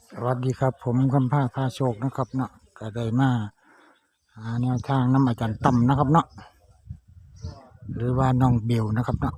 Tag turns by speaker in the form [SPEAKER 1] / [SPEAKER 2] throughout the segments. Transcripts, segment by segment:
[SPEAKER 1] สวัสดีครับผมคำพาโชคนะครับเนาะก็ได้มาหาแนวทางน้ำอาจารย์ต่ำนะครับเนาะหรือว่าน้องเบลนะครับเนาะ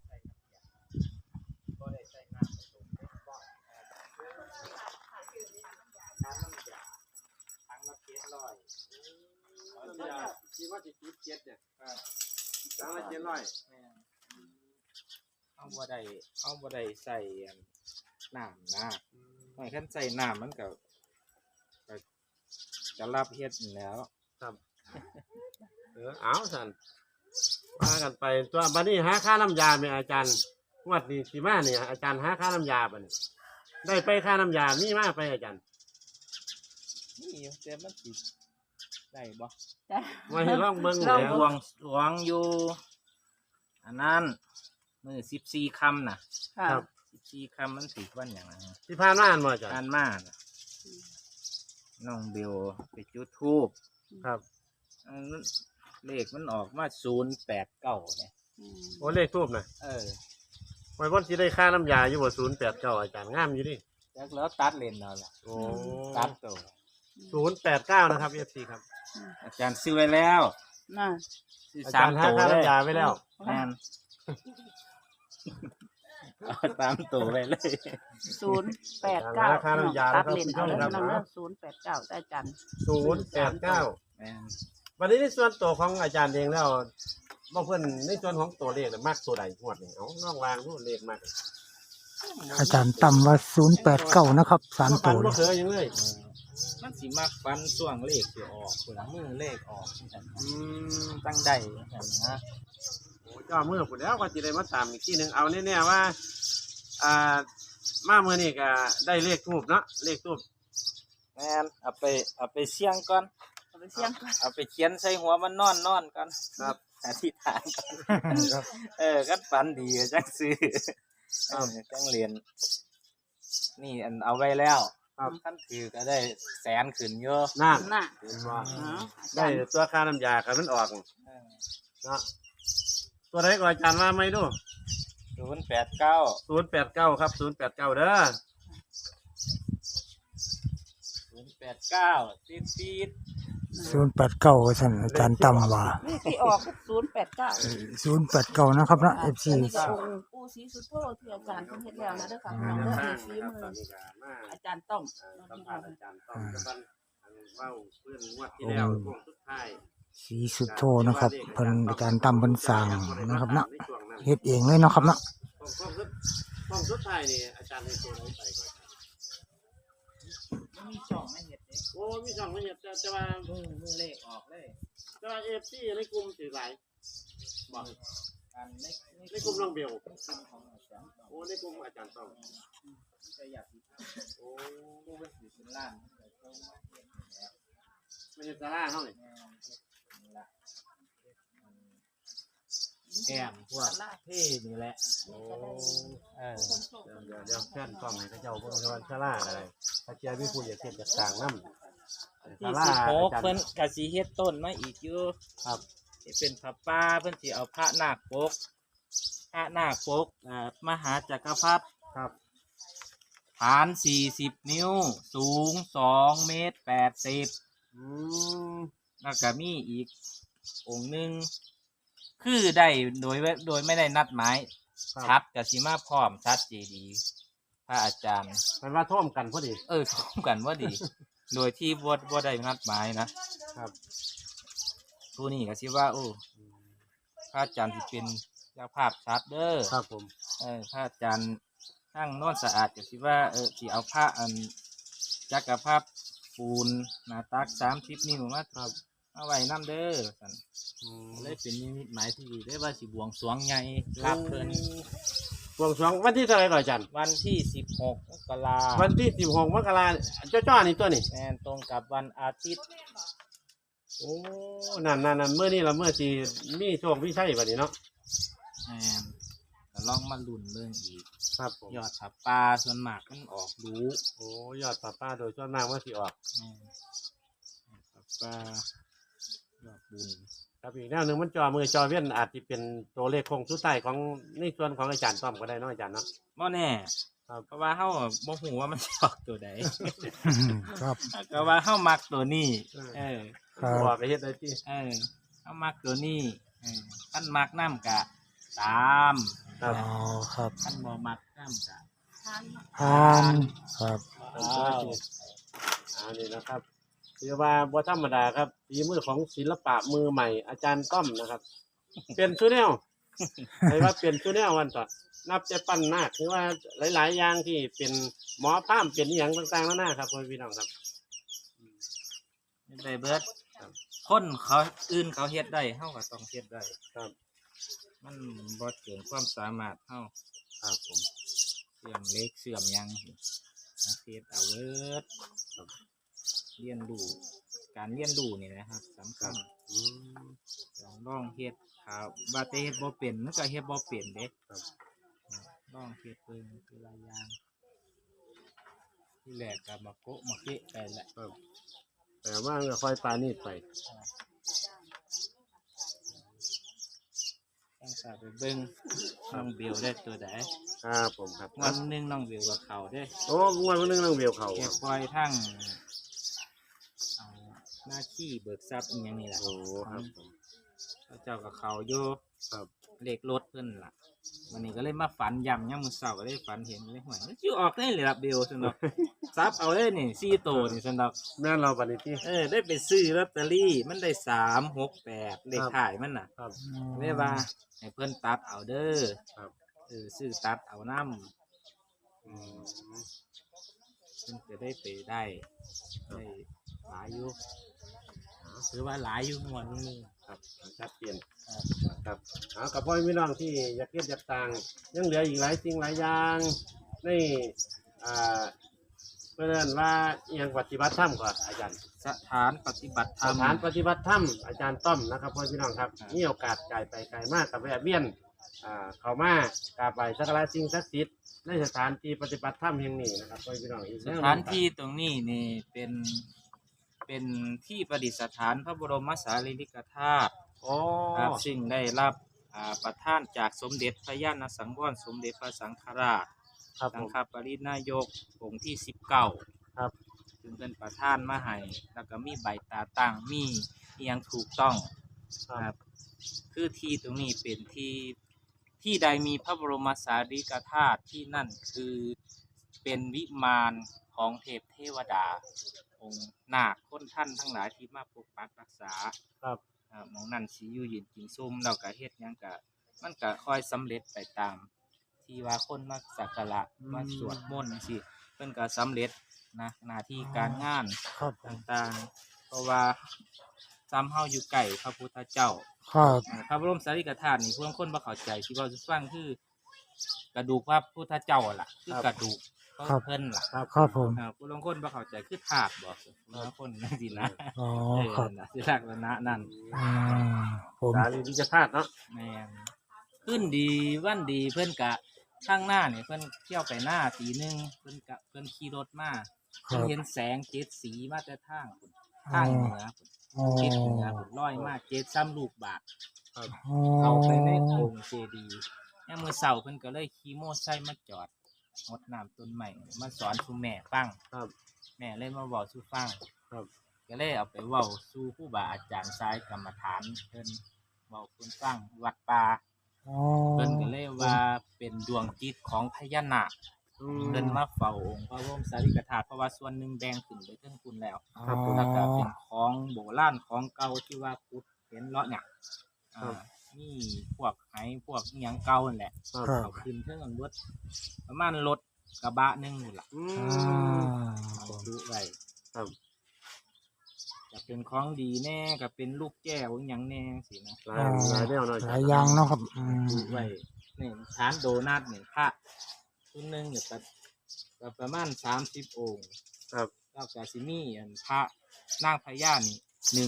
[SPEAKER 2] คิดว่าจะคิด7เนี่ยตั้งละ700
[SPEAKER 3] เอาบ่ได้ใส่น้ำนะไม่คันใส่น้ำมันก็จะรับเฮ็ดอยู่แล้ว
[SPEAKER 2] ครับเอาสันว่ากันไปตัวบัดนี้หาค่าน้ำยาไหมอาจารย์งวดนี้สิมาเนี่ยอาจารย์หาค่าน้ำยาบัดนี้ได้ไปค่าน้ำยามีมาไปอาจารย์
[SPEAKER 3] นี่เต็มมันสิได้บ่
[SPEAKER 2] ไว้ให้ลองเบิ่ง
[SPEAKER 3] เรา
[SPEAKER 2] แล้ว
[SPEAKER 3] หวงอยู่อันนั้นมื้อ14ค่ำน่ะ
[SPEAKER 2] ครับ
[SPEAKER 3] 14ค่ำมันสิวันหยังนะ
[SPEAKER 2] ที่ผ่านมาอันบ่อาจาร
[SPEAKER 3] กา
[SPEAKER 2] ย์
[SPEAKER 3] รมาน่ะน้องเบลไปจุดธูป
[SPEAKER 2] ครับ
[SPEAKER 3] เลขมันออกมา089เนี่ย
[SPEAKER 2] โอ้เลขทูบนะ ไว้บ่สิได้ค่าน้ำยาอยู่บ่089อาจารย์งามอยู่ดิ
[SPEAKER 3] แล้วตัดเลนเอาล่ะ
[SPEAKER 2] โอ้
[SPEAKER 3] ตัดตัว
[SPEAKER 2] 089นะครับ FC ครับ
[SPEAKER 3] อาจารย์ซื้อไว้แล้ว
[SPEAKER 4] น่ะ
[SPEAKER 3] ซื้อ
[SPEAKER 2] อา
[SPEAKER 3] สา
[SPEAKER 2] จาม รย์หา
[SPEAKER 3] ตัว
[SPEAKER 2] ค่า
[SPEAKER 3] เลย
[SPEAKER 2] น้ำยาไว้แล้ว
[SPEAKER 3] แม่นเอา3ตัวไปเลย
[SPEAKER 4] 089
[SPEAKER 2] ราคาน้ำยา
[SPEAKER 4] ตัด
[SPEAKER 2] นะครับ
[SPEAKER 4] เลนเอา
[SPEAKER 2] พี่
[SPEAKER 4] แล้ว
[SPEAKER 2] น้องครับ
[SPEAKER 4] น้อง089ได้จัน
[SPEAKER 2] 089
[SPEAKER 3] แม่น
[SPEAKER 2] วันนี้ในส่วนตัวของอาจารย์เองแล้วบ่เพิ่นในส่วนของตัวเลขน่ะมักตัวใดงวดนี่เอาน้องวางรูเลขมาก
[SPEAKER 1] อาจารย์ต่ำว่า089นะครับ3 ตัว
[SPEAKER 2] บ่เคยยังเลย
[SPEAKER 3] มันสิมักฟันช่วงเลขสิออกคนมือเลขออกจังซั่น
[SPEAKER 2] อืม
[SPEAKER 3] ตั้งได้จังนะ
[SPEAKER 2] โอ้จ้ามื้อพุ่นแล้วก็สิได้มาตามอีกทีหนึงเอาแน่ๆว่าอ่ามามื้อนี้ก็ได้เลขทูบเนาะเลขทูบ
[SPEAKER 3] แม่นเอาไปเสี่ยงก่อน
[SPEAKER 4] เอาไปเสี่ยงก่อน
[SPEAKER 3] เอาไปเขียนใส่หัวมันนอนก่อน
[SPEAKER 2] ครับ
[SPEAKER 3] อธิษฐานก่อนคันฝันดีก็จังซื้อจังเรียนนี่อันเอาไว้แล้ว
[SPEAKER 2] ครับ
[SPEAKER 3] คันถือก็ได้แสนขึ้นเยอะ
[SPEAKER 2] นั่น
[SPEAKER 4] น่ะ
[SPEAKER 2] เห็นบ่
[SPEAKER 4] อ๋ออา
[SPEAKER 2] ได้
[SPEAKER 4] จารย์
[SPEAKER 2] ตัวค่าน้ำยากันมันออกเนาะตัวใดก็อาจารย์ว่าไม่ดู
[SPEAKER 3] 089
[SPEAKER 2] 089ครับ089เด้อ
[SPEAKER 3] 089ซีด
[SPEAKER 1] 089ว่าซั่นอาจารย์ต่ำว่า
[SPEAKER 4] นี่ที่ออกคือ089
[SPEAKER 1] 089นะครับเนาะ FC
[SPEAKER 4] อันนี้ก็องค์ปู่ศรีสุโธที่อาจารย์เพิ่นเฮ็ดแล้วนะเด้อค่ะพี่น้องเด้อนี่ฝีมืออาจารย์ต้อม
[SPEAKER 2] สัมภาษณ์อาจารย์ต้อมจะบันเว้าเพื่อนงวดที่แล้วโค้งสุดท้าย
[SPEAKER 1] ศรีสุโธนะครับเพิ่นอาจารย์ต่ำเพิ่นสร้างนะครับเนาะเฮ็ดเองเลยเนาะครับเนาะ
[SPEAKER 2] โค้งสุดท้ายนี่อาจารย์ให้ตัวไหนไปก่อน
[SPEAKER 3] ๆมีช่องไม่เห็ดเด้
[SPEAKER 2] โอ้มีสองไม่เห็นแต่ว่า
[SPEAKER 3] มือเลขออกเลย
[SPEAKER 2] แต่ว่า FC ในกลุ่มสิหลายบอก
[SPEAKER 3] อันใน
[SPEAKER 2] ในกลุ่มน้องเบล
[SPEAKER 3] ของอาจารย์ต้อง
[SPEAKER 2] โอ้ในกลุ่มอาจารย์ต้อม
[SPEAKER 3] จะอยากสิ
[SPEAKER 2] โอ้
[SPEAKER 3] ผู้เป็นสิเป็นล้านแต่ก็มาเฮ็ดนี่แหละ
[SPEAKER 2] ไม่ใช่ซาร่าเฮานี่
[SPEAKER 3] แม่นเฮ็ดนี่ล่ะแอมพวกเท่นี่แหละ
[SPEAKER 2] โอ้
[SPEAKER 3] เ
[SPEAKER 2] เดี๋ยวแฟนต้อมให้เขาเจ้าเบิ่งว่าซาร่าอะไรถ้าเจ้ามีผู้อยากเฮ็ดจากต่างนำ
[SPEAKER 3] ที่16เพิ่นก็สิเฮ็ดต้นมาอีกอยู่
[SPEAKER 2] ครับ
[SPEAKER 3] ที่เป็นพระป่าเพิ่นสิเอาพระนาคปกมหาจักรพรรดิ
[SPEAKER 2] ครับ
[SPEAKER 3] ฐาน40นิ้วสูง2เมตร80
[SPEAKER 2] อืม
[SPEAKER 3] แล้วก็มีอีกองค์หนึงคือได้โดยไม่ได้นัดหมายชัดกับสิมาพร้อมชัดเจดีย์พระอาจารย์
[SPEAKER 2] มันว่าท่วมกันพอดี
[SPEAKER 3] พร้อมกันว่าดี โดยที่บ่ได้นัดหมายนะครับ ผู้นี้ก็สิว่าพระอาจารย์สิเป็นเจ้าภาพชัดเด้อ
[SPEAKER 2] ครับผม
[SPEAKER 3] พระอาจารย์ทั้งโนนสะอาดก็สิว่าสิเอาพระอันจักรพรรดิปูนหน้าตัก30นิ้วมา
[SPEAKER 2] ครับ
[SPEAKER 3] เอาไว้นำเด้อสั่น
[SPEAKER 2] อืม
[SPEAKER 3] เลยเป็นนิมิตหมายที่ดีได้ว่าสิบวงสรวงใหญ่รับเพิ่น
[SPEAKER 2] บวงสรวงวันที่เท่าไหร่ก่อนอาจารย์
[SPEAKER 3] วันที่16 มกราค
[SPEAKER 2] วั
[SPEAKER 3] ม
[SPEAKER 2] นที่16มกราจ้อๆนี่ตัวนี่
[SPEAKER 3] แม่นตรงกับวันอาทิตย์
[SPEAKER 2] โอ้นั่นเมื่อนี้ละเมื่อสิมีโชคมีชัยบัดนี้เนาะ
[SPEAKER 3] แม่นก็ลองมาลุ้นเรื่องอีก
[SPEAKER 2] ครับผม
[SPEAKER 3] ยอดผับปลาส่วนมากมันออกรู้
[SPEAKER 2] โอ้ยอดป้าโดยส่วนมากว่าสิออก
[SPEAKER 3] แม่นผับปลายอดบุญ
[SPEAKER 2] ครับอีกแนวหนึงมันมือจอเวียนอาจจะเป็นตัวเลขคงสุดท้ายของในส่วนของอาจารย์ต้อมก็ได้เนาะอาจารย์เนาะ
[SPEAKER 3] บ่แน่
[SPEAKER 2] ครับ
[SPEAKER 3] เพราะว่าเฮาบ่ฮู้ว่ามันสิออกตัวใด
[SPEAKER 1] ครับ
[SPEAKER 3] ก็ว่าเฮามักตัวนี้ เออ
[SPEAKER 1] ครับ
[SPEAKER 2] บอกไปเฮ็ดได้ที่
[SPEAKER 3] เออเฮามักตัวนี้คันมักน้ำกะตาม
[SPEAKER 2] ครับ
[SPEAKER 1] อ๋อครับ
[SPEAKER 3] คันบ่มักน้ำกะ
[SPEAKER 4] ทาน
[SPEAKER 1] ทานครับ
[SPEAKER 2] อันนี้นะครับถือว่าบ่ธรรมดาครับฝีมือของศิลปะมือใหม่อาจารย์ต้อมนะครับ เป็นชูแนวใครว่าเป็นชูแนววันต่อนับจะปั้นนาคหรือว่าหลาย ๆ อย่างที่เป็นหมอพราหมณ์เป็นอหย่างต่างๆแล้วนะครับพ่อพี่น้องครับ
[SPEAKER 3] ได้เบิดคนเขาอื่นเขาเฮ็ดได้เฮาก็ต้องเฮ็ดได้
[SPEAKER 2] ครับ
[SPEAKER 3] มันบ่เกินความสามารถเฮา
[SPEAKER 2] ครับผม
[SPEAKER 3] เสื่อมเล็กเสื่อมหยังเฮ็ดเอาเบิดครับเรียนรู้การเรียนรู้นี่นะครับสำคัญ
[SPEAKER 2] อืม
[SPEAKER 3] ลองเฮ็ดครับว่าแต่เฮ็ดบ่เป็นมันก็เฮ็ดบ่เป็นเด้
[SPEAKER 2] ครับ
[SPEAKER 3] ลองเฮ็ดเบิ่งคือหลายอย่างที่แรกก็มาโกะมาเกะไปแหละ
[SPEAKER 2] ครับแต่ว่าก็ค่อยปานีดไป
[SPEAKER 3] ต้องสาไปเบิ่งน้องเบลได้ตัวใด
[SPEAKER 2] ครับผมครับ
[SPEAKER 3] วันหนึงน้องเบลกับเขาเด้
[SPEAKER 2] โอ้วันนึงน้องเบียวเขา
[SPEAKER 3] แก
[SPEAKER 2] ครับ
[SPEAKER 3] ปล่อยทั้งเอาหน้าที่เบิกทรัพย์อีหยังนี่ล่ะ
[SPEAKER 2] โอ้ครับผม
[SPEAKER 3] เขาเจ้ากับเขาอยู่
[SPEAKER 2] ครับ
[SPEAKER 3] เลขรถเพิ่นล่ะวันนี้ก็เลยมาฝันย่ำยามมื้อเช้าก็เลยฝันเห็นเลยห่วยมันสิออกได้เลยล่ะเบลซั่นดอกซับเอาเลยนี่4โตวนี่ซั่นดอก
[SPEAKER 2] แม่นเราปฏิทิ
[SPEAKER 3] ได้ไปซื้อลอตเตอรี่มันได้368เลขท้ายมันน่ะ
[SPEAKER 2] ครับ
[SPEAKER 3] เลยว่าให้เพิ่นตัดเอาเด้อ
[SPEAKER 2] ครับ
[SPEAKER 3] ซื้อตัดเอานำ
[SPEAKER 2] อืม
[SPEAKER 3] เพิ่นจะได้ไปได้หลายอยู่ถือว่าหลายอยู่งวดนึง
[SPEAKER 2] ครับชัดเจนครับเอากับพ่อพี่น้องที่อยากเก็บอยากต่างยังเหลืออีกหลายสิ่งหลายอย่างในอ่าเพื่อนว่าอหยังปฏิบัติธรรมก่อนอาจารย์
[SPEAKER 3] สถานปฏิบัติธร
[SPEAKER 2] ส
[SPEAKER 3] รม
[SPEAKER 2] ถานปฏิบัติธรรมอาจารย์ต้อมนะครับพ่อพี่น้องครับ
[SPEAKER 3] ครับ
[SPEAKER 2] มีโอกาสไกลไปไกลมากกับแวะเวียนเข้ามากราบไหว้สักการะสิ่งศักดิ์สิทธิ์ในสถานที่ปฏิบัติธรรมแห่งนี้นะครับพ่อพี่น้องอีก
[SPEAKER 3] สถานที่ตรงนี้นี่เป็นที่ประดิษฐานพระบรมสารีริกธาตุ
[SPEAKER 2] โอ้
[SPEAKER 3] ครับซึ่งได้รับประทานจากสมเด็จพระญาณสังวรสมเด็จพระสังฆราช
[SPEAKER 2] ครับผ
[SPEAKER 3] สัง
[SPEAKER 2] ม
[SPEAKER 3] ฆปรินายกองค์ที่19
[SPEAKER 2] ครับ
[SPEAKER 3] ซึ่งเป็นประธานมาให้แล้วก็มีใบตาตั้งมีอหยังถูกต้อง
[SPEAKER 2] ครับ
[SPEAKER 3] คือที่ตรงนี้เป็นที่ใดมีพระบรมสารีริกธาตุที่นั่นคือเป็นวิมานของเทพเทวดา องค์นาคคนท่านทั้งหลายที่มาปกปักรักษา
[SPEAKER 2] ครับ
[SPEAKER 3] หมองนั่นสิอยู่เย็นกินซุ่มเราก็เฮ็ดหยังก็มันก็ค่อยสำเร็จไปตาม ที่ว่าคนมาสักการะมาสวดมนต์สิเพิ่นก็สำเร็จนะหน้าที่การงาน
[SPEAKER 1] ครับผม
[SPEAKER 3] ต่างๆ เพราะว่าซ้ำเฮาอยู่ใกล้พระพุทธเจ้า
[SPEAKER 1] ครับ
[SPEAKER 3] พระบรมสารีริกธาตุนี่ผู้ลางคนบ่เข้าใจที่ว่าสิฟังคือกระดูกพระพุทธเจ้าล่ะ คือกระดูกเพิ่นล่ะ
[SPEAKER 1] ครับผม
[SPEAKER 3] ผู้ลางคนบ่เข้าใจคือธาตุบ่ผู้ลางคนนั่นสินะ
[SPEAKER 1] อ๋อ
[SPEAKER 3] เออ
[SPEAKER 1] ครับ
[SPEAKER 3] นั่นน่ะสิลักษณะนั่น
[SPEAKER 1] อ่าผม
[SPEAKER 2] สารีริกธาตุเนาะ
[SPEAKER 3] แม่นขึ้นดีวันดีเพิ่นกะข้างหน้านี่เพิ่นเที่ยวไปหน้าตีหนึงเพิ่นขี่รถมา
[SPEAKER 1] ค
[SPEAKER 3] เพิ่
[SPEAKER 1] รั
[SPEAKER 3] น
[SPEAKER 1] บ
[SPEAKER 3] เห็นแสงเจ็ดสีมาแต่ทางพุ่นทางเหนือพุ่น
[SPEAKER 1] อ๋อ
[SPEAKER 3] เจ็ดเหนือพุ่นลอยมาเจ็ดซ้ำลูกบาท
[SPEAKER 1] อ๋อ
[SPEAKER 3] เอาไปในองค์เจดีย์ยามมื้อเช้าเพิ่นก็เลยขี่มอไซค์มาจอดรดน้ำต้นไม้มาสอนสู่แม่ฟัง
[SPEAKER 2] ครับ
[SPEAKER 3] แม่เลยมาเว้าสู่ฟัง
[SPEAKER 2] ครับ
[SPEAKER 3] ก็เลยเอาไปเว้าสู่ครูบาอาจารย์สายกรรมฐานเพิ่นเว้าเพิ่นฟังวัดป่า
[SPEAKER 1] อ๋อ
[SPEAKER 3] เพิ่นก็เลยว่าเป็นดวงจิตของพญานาค
[SPEAKER 2] อื
[SPEAKER 3] เพิ่นมาเฝ้าองค์พระบรมสารีริกธาตุเพราะว่าส่วนหนึ่งแบ่งขึ้นไปเทิงคุณแล้ว
[SPEAKER 2] ครับผม
[SPEAKER 3] แล้วก็เป็นของโบราณของเก่าที่ว่าพุทธเห็นเลาะเนี่ยมีพวกไหพวกอิหยังเก่านั่นแหละ
[SPEAKER 2] ครับ
[SPEAKER 1] ครับ
[SPEAKER 3] เอาขึ้นเทิงอันเบิดประมาณรถกระบะหนึงนี่ล่ะ
[SPEAKER 2] อื
[SPEAKER 1] อ่าม
[SPEAKER 3] เอาดูไว้
[SPEAKER 2] ครับ
[SPEAKER 3] จะเป็นของดีแน่ก็เป็นลูกแก้วอิหยังแน่สินะ
[SPEAKER 2] หลายแนวเนาะ
[SPEAKER 1] หลายอย่างเนาะครับอืม
[SPEAKER 3] ดูไว้นี่ฐานโดนัทนี่พระชุดหนึงเนี่ยก็ประมาณ30องค์
[SPEAKER 2] ครับ
[SPEAKER 3] แล้วก็สิมีอันพระนางพญานี่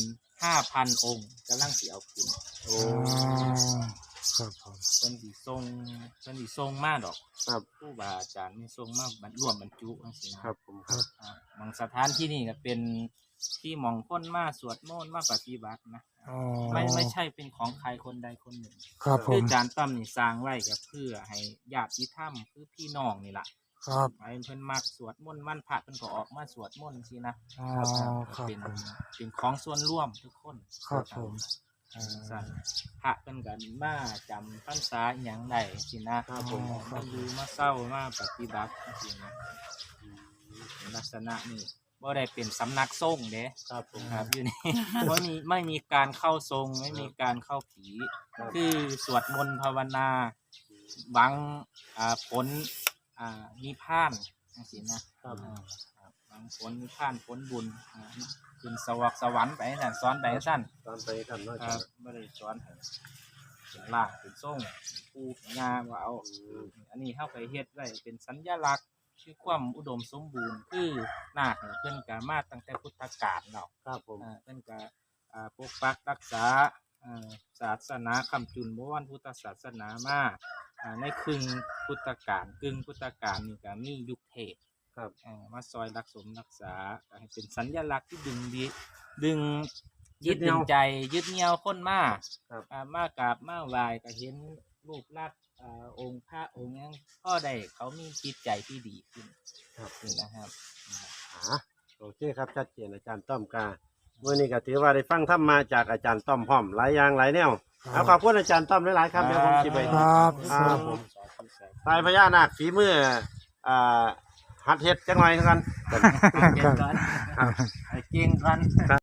[SPEAKER 3] 15,000 องค์กำลังสิเอาขึ้น
[SPEAKER 2] โอ้
[SPEAKER 1] อ๋อครับผม
[SPEAKER 3] เพิ่นสิส่งมาดอก
[SPEAKER 2] ครับ
[SPEAKER 3] ครูบาอาจารย์นี่ส่งมาบรรร่วมบรรจุจังซี่นะครับ
[SPEAKER 2] ผมครับ
[SPEAKER 3] บางสถานที่นี่ก็เป็นที่หมองคนมาสวดมนต์มาปฏิบัตินะ
[SPEAKER 1] อ๋อ
[SPEAKER 3] ไม่ใช่เป็นของใครคนใดคนหนึ่ง
[SPEAKER 1] ครับผ
[SPEAKER 3] คือ
[SPEAKER 1] ม
[SPEAKER 3] อาจารย์ต้อมนี่สร้างไว้ก็เพื่อให้ญาติธรรมคือพี่น้องนี่ล่ะ
[SPEAKER 1] ครับ
[SPEAKER 3] ไอ้เพิ่นมักสวดมนต์วันพระเพิ่นก็ออกมาสวดมนต์สินะ
[SPEAKER 1] อ๋อครับ
[SPEAKER 3] เป็น
[SPEAKER 1] ผม
[SPEAKER 3] เป็นของส่วนร่วมทุกคน
[SPEAKER 1] ครับผมอ๋อ
[SPEAKER 3] สั่นพระเพิ่นก็มาจำพรรษาอหย่างใดสินะครับ
[SPEAKER 2] ผม
[SPEAKER 3] มาอยู่มาเศร้ามาปฏิบัติสินะลักษณะนี้บ่ได้เป็นสำนักสงฆ์เด้
[SPEAKER 2] ครับผม
[SPEAKER 3] ครับอยู่นี่ ไม่มีการเข้าทรงไม่มีการเข้าผี คือสวดมนต์ภาวนาหวังผลนิพพานจังซี่นะครับ ครับหวังผลนิพพานผลบุญขึ้นสวรรค์ไปสั่นสอนไปสั่น
[SPEAKER 2] ตอนไปกันเนาะอา
[SPEAKER 3] ค
[SPEAKER 2] จา
[SPEAKER 3] รั
[SPEAKER 2] ร
[SPEAKER 3] บ
[SPEAKER 2] ย์
[SPEAKER 3] ไม่ได้สอนให้เป็นล่างเป็นส่งเป็นปูเป็นงาว่าเอาอันนี้เข้าไปเฮ็ดไว้เป็นสัญลักษณ์คือความอุดมสมบูรณ์คือนาคเนี่ยเพิ่นก็มาตั้งแต่พุทธกาลเนาะ
[SPEAKER 2] ครับผม
[SPEAKER 3] เพิ่นก็ปกปักรักษาศาสนาคำจุนโบราณพุทธศาสนามาในครึ่งพุทธกาลกึ่งพุทธกาลนี่ก็มียุคเทพ
[SPEAKER 2] ครับ
[SPEAKER 3] มาซอยรักสมรักษาให้เป็นสัญลักษณ์ที่ดึงยึดดึงใจยึดเหนี่ยวคนมา
[SPEAKER 2] ครับ
[SPEAKER 3] มากราบมาไหว้ก็เห็นรูปลักษณ์องค์พระองค์หยังก็ได้เขามีจิตใจที่ดีขึ้น
[SPEAKER 2] ครับ
[SPEAKER 3] นี่นะครับ
[SPEAKER 2] โอเคครับชัดเจนอาจารย์ต้อมกาเมื่อนี้ก็ถือว่าได้ฟังธรรมมาจากอาจารย์ต้อมพร้อมหลายอย่างหลายแนวเอาขอบคุณอาจารย์ต้อมหลายๆครับเดี๋ยวผมจะไป
[SPEAKER 1] ครับ
[SPEAKER 2] ครับผมทายพญานาคฝีมือหัดเฮ็ดจังหน่อยเท่ากัน
[SPEAKER 3] เก่งก่อนเก่งก่อน